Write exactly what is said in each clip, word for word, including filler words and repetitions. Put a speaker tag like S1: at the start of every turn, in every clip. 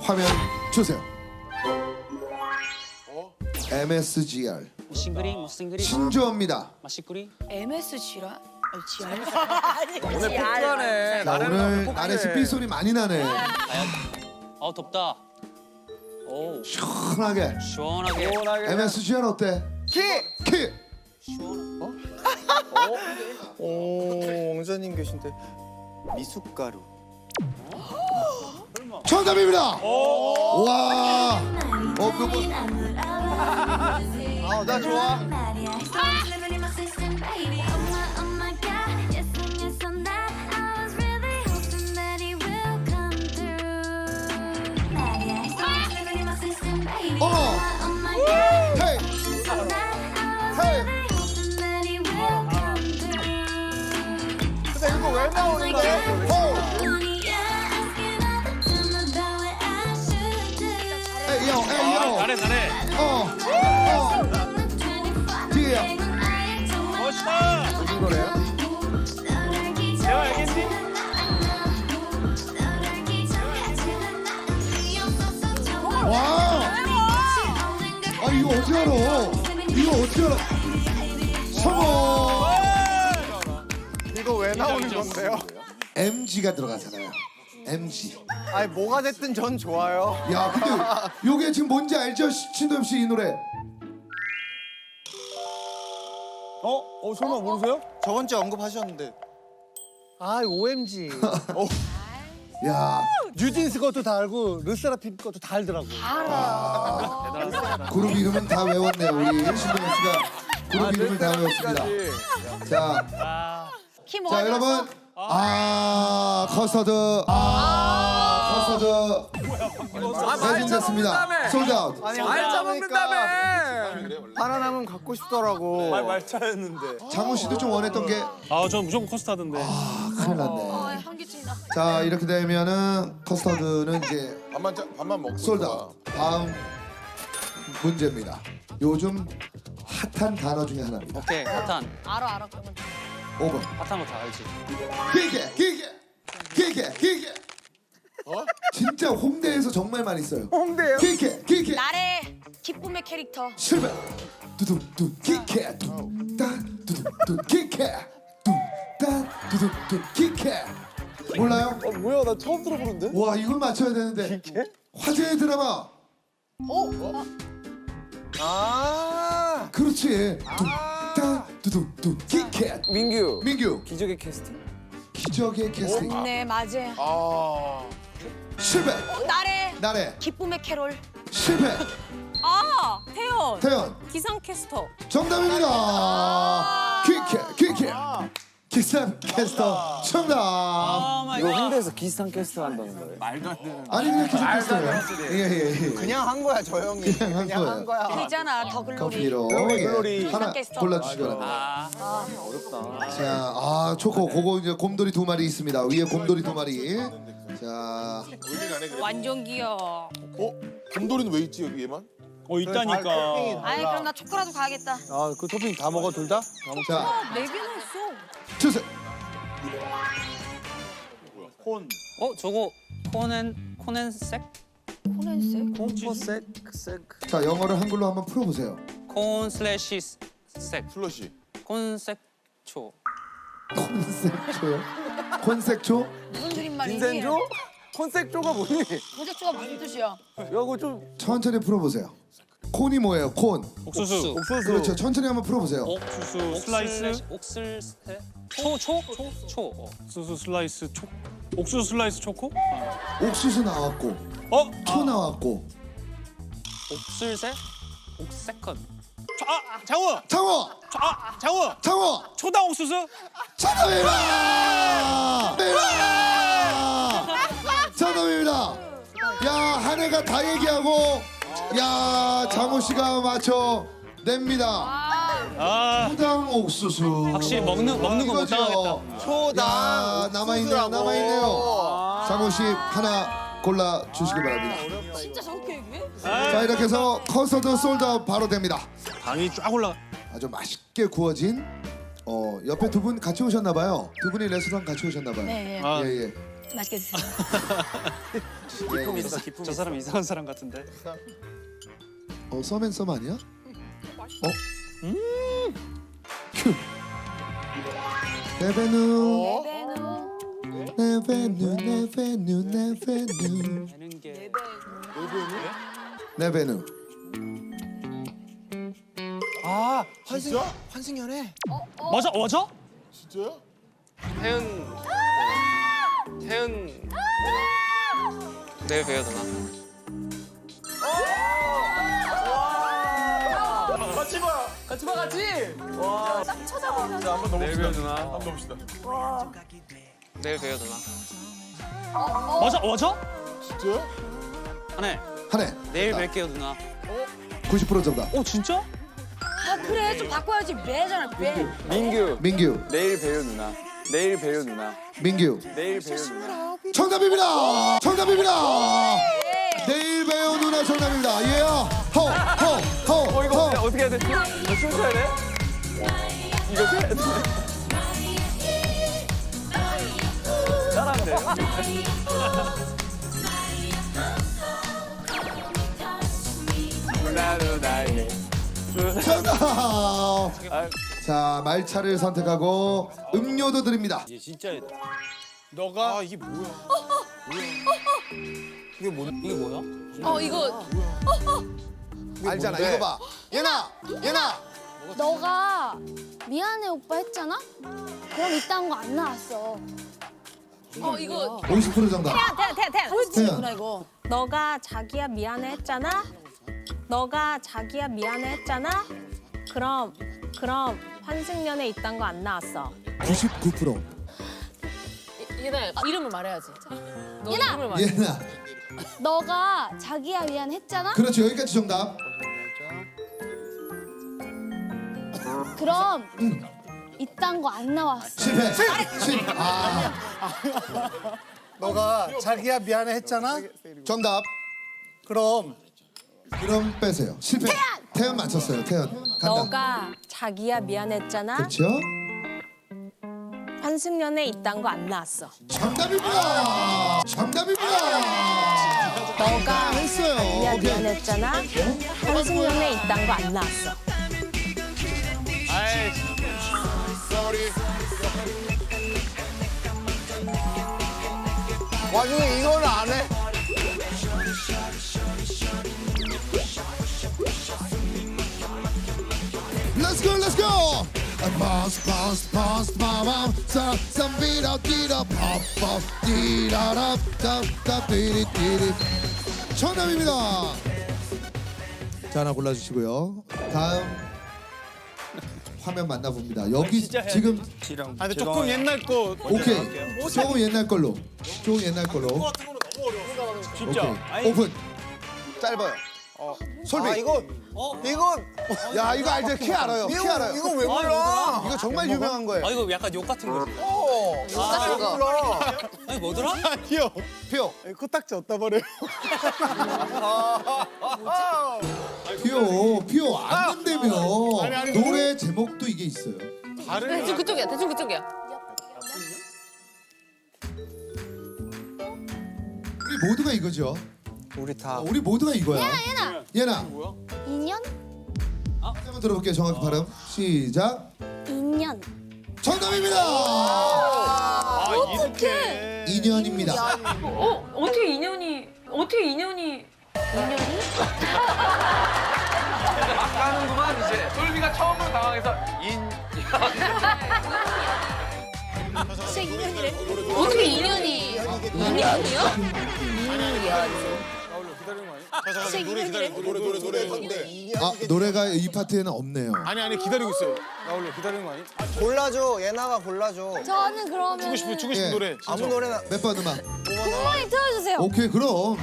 S1: 화면 주세요. 엠에스지알
S2: 싱그링 뭐 싱그링
S1: 신조어입니다.
S2: 마시꾸리
S3: 엠에스지라? 지알?
S4: 오늘 폭주하네.
S1: 자, 오늘 나래씨 삐소리 많이 나네.
S2: 아 덥다. 오
S1: 시원하게.
S2: 시원하게
S1: 엠에스지알 어때?
S4: 키!
S1: 키!
S2: 시원.
S5: 오, 왕자님 계신데. 미숫가루.
S1: 정답입니다. 와. 어, 그거
S5: 아, 나 좋아.
S1: 어. 헤이. 헤이.
S5: 근데 이거 왜 나오는 거야?
S1: 호. 에이 요, 에이 요.
S2: 잘해 잘해.
S1: 어. 어. 뒤에.
S2: 멋있다.
S5: 무슨 노래야?
S2: 내가 알겠지?
S1: 와. 아 이거 어떻게 알아? 이거 어떻게 알아? 성공.
S5: 이거 왜 나오는 건데요?
S1: 엠지가 들어가잖아요. 엠지.
S5: 아니, 뭐가 됐든 전 좋아요.
S1: 야, 근데 요게 지금 뭔지 알죠? 신도엽 씨 이 노래.
S4: 어? 어 설마 모르세요?
S5: 저번 주에 언급하셨는데. 아, 오엠지.
S1: 야,
S4: 뉴진스 것도 다 알고 르세라핌 것도 다 알더라고.
S1: 그룹 이름은 다 외웠네요. 우리 신도엽 씨가 그룹 이름을 다 외웠습니다. 자,
S3: 키
S1: 자
S3: 뭐가
S1: 여러분. 아, 커스터드. 아, 커스터드. 매진됐습니다. 솔드아웃.
S5: 아니,
S4: 알짜 먹는다며.
S5: 하나 남으면 갖고 싶더라고.
S4: 말차였는데.
S1: 장훈 씨도 좀 원했던 게
S6: 아, 전 무조건 커스타드인데.
S1: 아, 큰일 났네.
S3: 어, 현기증이 나.
S1: 자, 이렇게 되면은 커스터드는 이제
S7: 밥만 짜, 밥만 먹고
S1: 솔드아웃. 다음 문제입니다. 요즘 핫한 단어 중에 하나입니다.
S2: 오케이 핫한
S3: 알아 알아 그러면.
S1: 오 번.
S2: 핫한 거 다 알지.
S1: 길게, 길게, 길게, 길게.
S7: 어?
S1: 진짜 홍대에서 정말 많이 써요.
S5: 홍대요?
S1: 길게, 길게.
S3: 나래 기쁨의 캐릭터.
S1: 실패. 두둥둥 길게. 뚱따 두둥둥 길게. 뚱따 두둥둥 길게. 몰라요?
S4: 어 뭐야 나 처음 들어보는데?
S1: 와, 이걸 맞춰야 되는데. 화제의 드라마.
S5: 아.
S1: 그렇지. 뚱따 두둥둥 길게.
S4: 민규.
S1: 민규.
S4: 기적의 캐스팅?
S1: 기적의 캐스팅.
S3: 네 맞아.
S7: 아,
S1: 실패.
S3: 나래
S1: 나래.
S3: 기쁨의 캐롤.
S1: 실패.
S8: 아, 태연.
S1: 태연.
S8: 기상캐스터.
S1: 정답입니다. 퀴캐 퀴캐. 기상 캐스터 정답.
S2: 아
S4: 이거 홍대에서 기상 캐스트 한다는 거예요.
S1: 아니 그냥 기상 캐스터예요. 예예 예.
S5: 그냥 한 거야, 저 형이.
S1: 그냥 한
S5: 그냥 한
S1: 거예요.
S5: 거야.
S3: 있잖아 더 글로리.
S1: 커피로
S4: 글로리.
S1: 예. 하나
S3: 캐스터.
S1: 골라주시기 바랍니다.
S2: 아
S1: 자, 아 초코 그거 이제 곰돌이 두 마리 있습니다. 위에 곰돌이 두 마리. 자,
S7: 의미가네 그래.
S8: 완전 귀여워.
S7: 어? 곰돌이는 왜 있지 여기 얘만?
S6: 어, 있다니까.
S3: 아니 그럼 나 초코라도 가야겠다.
S4: 아그 토핑 다 먹어 둘 다? 다 먹.
S1: 자
S8: 네 개나 있어.
S1: 주세요.
S2: 어 저거 코넨 코넨색
S3: 코넨색.
S4: 콤포색 색.
S1: 자, 영어를 한글로 한번 풀어보세요.
S2: 콘 슬래시 색
S7: 슬러시.
S2: 콘색초.
S1: 콘색초요? 콘색초?
S3: 무슨 그림말이니?
S4: 빈센조? 콘색조가 뭐니?
S3: 콘색조가 무슨 뜻이야?
S4: 이거 좀
S1: 천천히 풀어보세요. 콘이 뭐예요? 콘.
S6: 옥수수.
S4: 옥수수.
S1: 그렇죠. 천천히 한번 풀어보세요.
S6: 옥수수 슬라이스.
S2: 옥슬 초초초 초. 어.
S6: 옥수수 슬라이스 초. 옥수수 슬라이스 초코?
S1: 옥수수 나왔고,
S6: 어?
S1: 초 나왔고.
S2: 옥슬새 옥세컨.
S6: 아, 장우.
S1: 장어,
S6: 아, 장우.
S1: 장어.
S6: 초당 옥수수?
S1: 정답입니다. 정답입니다. 야, 한 해가 다 얘기하고, 야, 장호 씨가 맞춰 냅니다.
S6: 아.
S1: 초당 옥수수.
S2: 확실히 먹는- 먹는 거못
S1: 이거죠.
S2: 당하겠다.
S5: 초당.
S1: 야, 남아있네요,
S5: 옥수수라고.
S1: 남아있네요. 장호 씨 하나 골라 주시기 바랍니다.
S3: 진짜 저렇게 얘기해?
S1: 자, 이렇게 해서 커서드 솔드아웃 바로 됩니다.
S6: 당이 쫙 올라가.
S1: 아주 맛있게 구워진 어 옆에 두 분 같이 오셨나 봐요. 두 분이 레스토랑 같이 오셨나 봐요.
S3: 네.
S6: 아.
S1: 예, 예.
S3: 맛있게 드세요.
S4: 기품 있어 기품
S2: 저
S4: 있어.
S2: 사람 이상한 사람 같은데.
S1: 어 썸앤썸 아니야? 어? 음. 큐. 네베누. 네베누 네베누 네베누
S2: 되는 게
S1: 네베누.
S4: 아 환승 환승연애.
S2: 맞아 맞아?
S7: 진짜요?
S9: 태연 태연 내일 봬요 누나.
S4: 같이 봐. 같이 봐 같이. 와.
S8: 딱 쳐다보면.
S7: 자 한번
S9: 내일
S7: 넘어봅시다.
S9: 봬요 누나.
S7: 한번 넘어봅시다.
S9: 내일 봬요 누나.
S2: 맞아 맞아?
S7: 진짜요?
S2: 한해
S1: 한해.
S2: 내일 뵐게요 누나.
S1: 구십 퍼센트 정답.
S2: 어 진짜?
S3: 아 그래 좀 바꿔야지 매잖아 매.
S4: 민규.
S1: 민규.
S4: 내일 봬요 누나. 내일 봬요 누나.
S1: 민규.
S4: 내일 봬요 누나.
S1: 정답입니다. 정답입니다. 내일 배우 누나 정답입니다. 예. 호호호
S4: 어 이거
S1: 호.
S4: 어떻게, 어떻게 해야 되지? 너 춤춰야 돼? 이거 해야 돼? 잘하는데. 누나 누나의
S1: 정답. 자 말차를 선택하고 음료도 드립니다.
S7: 너가 아, 이게 뭐야?
S2: 이게 뭐 이게 뭐야?
S3: 어 이거
S1: 알잖아. 이거 봐. 예나 예나.
S10: 너가 미안해 오빠 했잖아? 그럼 이딴 거 안 나왔어.
S3: 어 이거
S1: 오십 퍼센트 정답.
S8: 태연, 태연, 태연.
S3: 포인트구나 이거.
S8: 너가 자기야 미안해 했잖아? 너가 자기야 미안해 했잖아? 그럼, 그럼 환승연애 이딴 거 안 나왔어.
S1: 구십구 퍼센트.
S3: 얘네 이름을 말해야지. 너
S10: 얘나!
S3: 이름을 말해.
S1: 예나.
S10: 너가 자기야 미안해 했잖아?
S1: 그렇죠. 여기까지 정답.
S10: 그럼 이딴 거 안 나왔어.
S1: 실패. 실패. 아
S5: 너가 자기야 미안해 했잖아?
S1: 정답.
S5: 그럼
S1: 그럼 빼세요. 실패. 태연 맞췄어요. 태연. 간다.
S8: 너가 자기야 미안해 했잖아?
S1: 그렇죠.
S8: 환승연애 이딴 거 안 나왔어.
S1: 정답입니다. 정답입니다.
S8: 너가
S1: 했어요.
S8: 자기야
S1: 오케이.
S8: 미안해 했잖아? 환승연애 이딴 거 안 나왔어.
S9: 아이
S4: 와중에 이거를 안 해?
S1: Let's go, let's go. Bounce, bounce, bounce, bam, bam. Some, some beat up, beat up, pop, pop, dee da da, da da, dee dee dee. 정답입니다. 자 하나 골라주시고요. 다음 화면 만나봅니다. 여기 지금
S6: 아 근데 조금 옛날 거
S1: 오케이. 조금 옛날 걸로. 조금 옛날 걸로.
S6: 진짜.
S1: 오케이. 오픈.
S4: 짧아요.
S1: 솔비.
S4: 아 이거 이건
S1: 야 이거 알죠? 키 알아요. 키 알아요.
S4: 이거 왜 몰라?
S1: 이거 정말 유명한 거예요.
S2: 아 이거 약간 욕 같은 거지.
S3: 똑같은 거.
S4: 몰라.
S2: 아니 뭐더라?
S6: 아니요.
S1: 피오.
S6: 코딱지 어디다 버려요?
S1: 피오. 피오 안된다며.
S6: 아니, 아니,
S1: 노래 제목도 이게 있어요.
S3: 대충 그쪽이야. 대충 그쪽이야.
S1: 우리 모두가 이거죠.
S4: 우리 다
S1: 우리 모두가 이거야.
S10: 예나!
S1: 예나.
S10: 인연?
S1: 한번 들어볼게요. 정확히 발음. 시작.
S10: 인연.
S1: 정답입니다.
S6: 아 이렇게.
S1: 인연입니다.
S8: 어? 어떻게 인연이, 어떻게 인연이.
S9: 가는구만 이제. 솔비가 처음으로 당황해서 인.
S3: 진짜 인연이래. 어떻게 인연이? 인연이요? 인연.
S7: 자, 노래 기다리고 노래 노래 노래 건데.
S1: 아 노래가 이 파트에는 없네요.
S6: 아니 아니 기다리고 있어요. 나올려 기다리는 거 아니?
S4: 골라줘. 예나가 골라줘.
S10: 저는 그러면
S6: 주고 싶은 주고 싶은
S1: 예.
S6: 노래.
S4: 아무 노래나.
S1: 몇 번 음악?
S10: 굿모닝 틀어주세요.
S1: 오케이 그럼.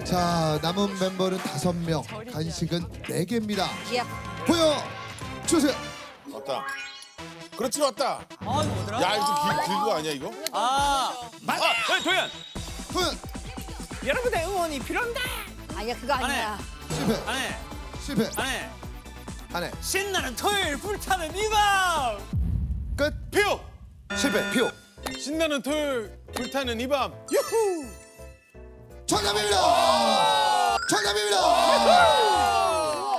S1: 자, 남은 멤버는 다섯 명, 간식은 네 개입니다.
S3: 예.
S1: 보여 주세요.
S7: 왔다. 그렇지 왔다.
S2: 아 이거 뭐더라?
S7: 야 이거 좀 길, 길거 아니야 이거?
S2: 아
S9: 아, 네, 도현.
S1: 도현
S2: 여러분의 응원이 필요합니다.
S3: 아니야 그거 아니야.
S1: 실패,
S2: 안해
S1: 실패.
S2: 안해
S1: 안해.
S2: 신나는 토요일 불타는 이밤.
S1: 끝.
S6: 표.
S1: 실패. 표.
S6: 신나는 토요일 불타는 이 밤. 유후.
S1: 정답입니다. 정답입니다.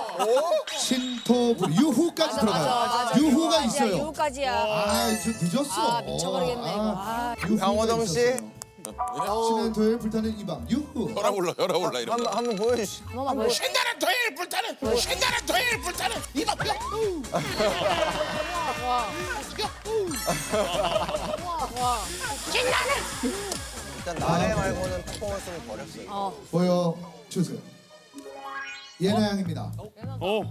S1: 신토 유후까지 들어가요. 유후가 있어요.
S3: 유까지야.
S1: 아, 좀 늦었어.
S3: 아, 미쳐버리겠네, 이거. 아.
S1: 강호동 씨. 신의 토요일 불타는 이밤 유후.
S7: 혈압 올라 혈압 올라 이런 거.
S4: 한번 보여주시.
S3: 한 번만 보여.
S7: 신나는 토요일 불타는 신나는 토요일 불타는 이 밤.
S4: 일단 나래 말고는 퍼포먼스는 버렸어요.
S1: 보여 주세요. 예나 양입니다.
S6: 어.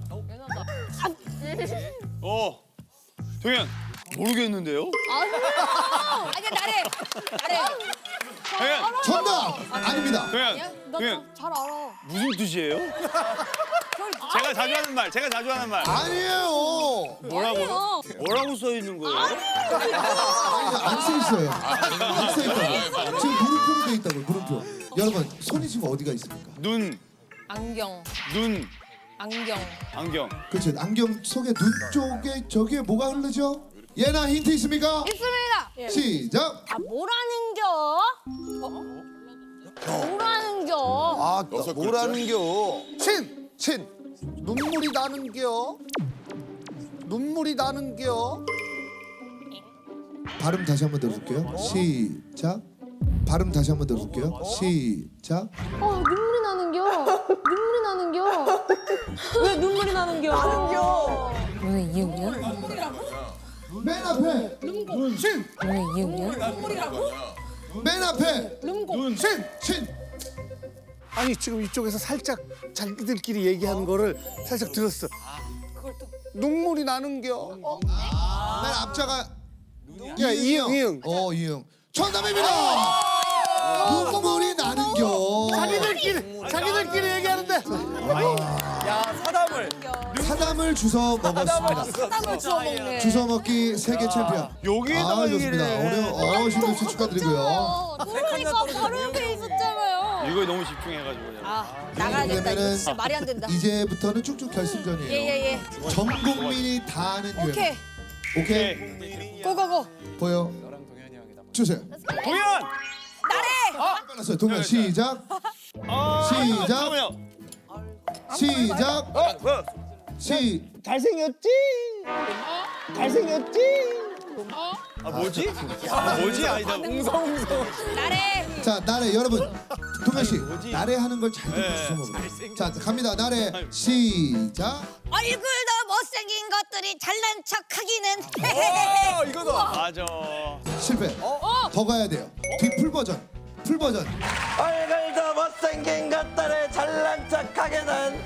S6: 어. 도현. 모르겠는데요?
S3: 아니야 나래. 나래.
S6: 도현.
S1: 정답 아닙니다.
S6: 도현. 도현.
S10: 잘 알아.
S6: 무슨 뜻이에요? 제가 자주 하는 말. 제가 자주 하는 말.
S1: 아니에요.
S6: 뭐라고요? 뭐라고 써 있는 거예요?
S1: 안 써 있어요. 안 써 있다고. 지금 물음표로 돼 있다고. 물음표. 여러분 손이 지금 어디가 있습니까?
S6: 눈.
S3: 안경.
S6: 눈.
S3: 안경.
S6: 안경.
S1: 그렇죠. 안경 속에 눈 쪽에 저기에 뭐가 흐르죠? 예나 힌트 있습니까?
S10: 있습니다.
S1: 시작.
S10: 아 뭐라는겨? 뭐라는겨?
S4: 아,
S7: 여섯 글자?
S4: 뭐라는겨?
S5: 친! 친! 눈물이 나는겨? 눈물이 나는겨?
S1: 발음 다시 한번 들어볼게요. 시작. 발음 다시 한번 들어볼게요. 시작.
S10: 어 눈물이 나는겨? 눈물이 나는겨?
S3: 왜 눈물이 나는겨? 나는겨. 왜 이유냐?
S1: 맨 앞에 신.
S3: 왜 이유냐?
S1: 맨 앞에 신. 신.
S5: 아니 지금 이쪽에서 살짝 자기들끼리 얘기하는 거를 살짝 들었어. 눈물이 나는겨?
S1: 맨 앞자가
S5: 야, 이응, 이응.
S1: 어 이응. 정답입니다. 눈물이 나는겨.
S5: 자기들끼리 자기들끼리 얘기하는데
S4: 야, 사담을.
S1: 사담을 주워 먹었습니다.
S3: 사담을 주워 먹네.
S1: 주워 먹기 세계 챔피언.
S6: 여기에다가
S1: 아, 좋습니다.
S6: 얘기를
S1: 오늘 어 신동 씨 축하드리고요.
S10: 그러니까 바로 옆에 있었잖아요.
S6: 이거에 너무 집중해가지고.
S3: 아 나가야 된다. 이거
S1: 그러면은
S3: 진짜 말이 안 된다.
S1: 이제부터는 쭉쭉 결승전이에요.
S3: 예예예.
S1: 전 국민이 다 아는 유행.
S3: 오케이.
S1: 오케이.
S3: 고고고.
S1: 보여. 주세요.
S6: 도현.
S1: 빨랐어요. 동현 시작. 시작.
S6: 잠깐만요.
S1: 시작.
S6: 어, 어.
S1: 시.
S5: 잘생겼지? 잘생겼지?
S6: 아 뭐지? 아 뭐지? 아니다. 웅성웅성.
S3: 나래.
S1: 자 나래 여러분. 동현 씨 나래 하는 걸 잘 듣고
S6: 네,
S1: 주워 먹어요. 자 갑니다. 나래 시작.
S3: 얼굴도 못생긴 것들이 잘난 척하기는.
S4: 어, 이거다.
S6: 맞아.
S1: 실패. 더 가야 돼요. 뒤 풀 버전. 풀 버전.
S4: 얼굴도 못생긴 것들을 잘난 척하게는.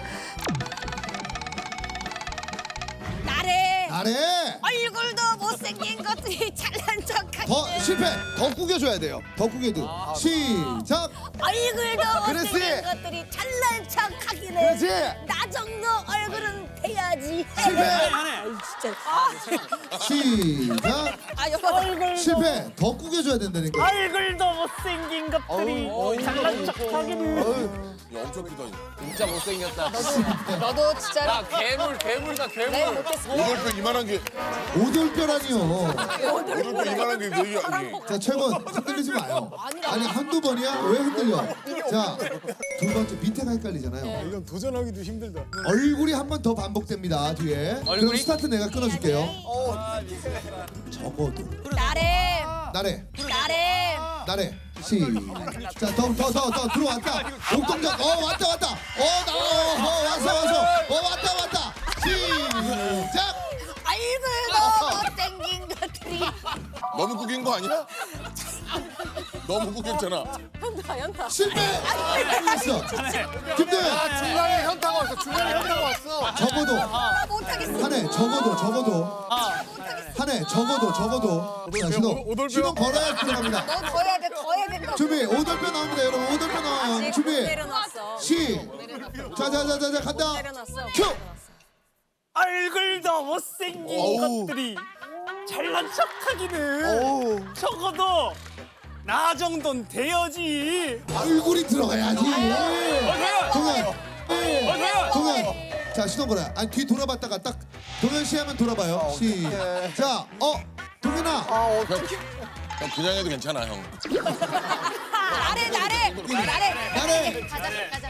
S3: 나래.
S1: 나래.
S3: 얼굴도 못생긴 것들이 잘난 척하기는.
S1: 더 실패. 더 구겨줘야 돼요. 더 구겨도. 시작.
S3: 얼굴도
S1: 그렇지.
S3: 못생긴 것들이 잘난 척하기는.
S1: 그렇지.
S3: 나 정도 얼굴은 돼야지.
S1: 실패.
S3: 아이, 진짜. 아,
S1: 시작.
S3: 아 여보 얼굴.
S1: 실패. 더 구겨줘야 된다니까.
S2: 얼굴도 못생긴 것들이 잘난 척하기는.
S7: 야 엄청 크다.
S4: 진짜 못생겼다.
S3: 너도 진짜.
S9: 야, 괴물, 괴물이다, 괴물.
S3: 내가 못했어.
S7: 오돌뼈 이만한 게
S1: 오돌뼈라니요.
S7: 오돌뼈 이만한 게 되게 아니.
S1: 자 최고 흔들리지 마요. 아니 한두 번이야? 왜 흔들려? 자 두 번째 밑에가 헷갈리잖아요.
S6: 이건 도전하기도 힘들다.
S1: 얼굴이 한 번 더 반복됩니다 뒤에. 그럼
S9: 얼굴이?
S1: 스타트 내가 끊어줄게요. 적어도
S3: 나래.
S1: 나래
S3: 나래.
S1: 나래 시자더 더 더 더 들어왔다. 옥동작 어 왔다 왔다 어나 어, 어, 왔어 왔어 어 왔다 왔다 시작.
S3: 얼굴도 못생긴 것들이.
S7: 너무 구긴 거 아니야? 너무 구겼잖아.
S3: 연타 연타.
S1: 실패. 했어. 김도현
S5: 중간에 현타가 왔어. 중간에 현타가 왔어.
S1: 적어도
S3: 나 못하겠어.
S1: 한해 적어도 적어도 한해 적어도 적어도 자 신호
S6: 오돌뼈.
S1: 신호 걸어야 들어갑니다.
S3: 너 더 해야 돼. 더 해야 된다.
S1: 준비 오돌뼈 나옵니다 여러분 오돌뼈 나와요 준비
S3: 내려놨어.
S1: 시. 자자자자자 간다.
S8: 내려놨어.
S1: 큐.
S2: 얼굴도 못생긴
S1: 어우.
S2: 것들이 잘난 척하기는 적어도 나 정도는 돼야지.
S1: 얼굴이 들어가야지.
S6: 도현.
S1: 동현.
S6: 어, 도현.
S1: 동현. 자 시동 걸어. 아니 뒤 돌아봤다가 딱 동현 씨 하면 돌아봐요. 시작. 어 동현아.
S7: 형 그냥 해도 괜찮아 형.
S3: 나래 나래 나래.
S1: 나래.
S10: 가자 가자.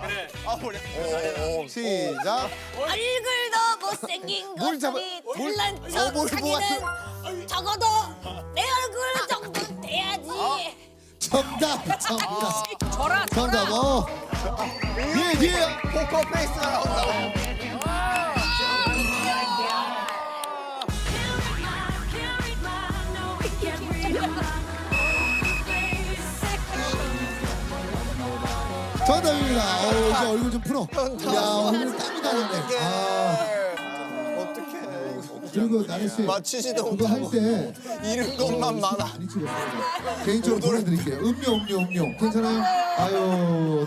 S1: 시작.
S10: 얼굴도 못생긴
S1: 뭘 잡아-
S10: 것들이
S1: 뭘-
S10: 잘난
S1: 어, 뭘
S10: 척하기는 적어도 내 얼굴 정도는 돼야지.
S1: 정답. 정답.
S3: 저라
S1: 정답. 어. 뒤에 뒤에.
S4: 포커페이스가 나온다.
S1: 정답입니다. 어우 이제 얼굴 좀 풀어. 야 오늘 땀이 나네. 아
S4: 어떡해.
S1: 그리고 나래 씨
S4: 맞추지도
S1: 그거 할
S4: 못하고
S1: 때
S4: 잃은 것만 많아.
S1: 많이 찍었어요. 개인적으로 보내드릴게요. 음료 음료 음료 괜찮아요? 아유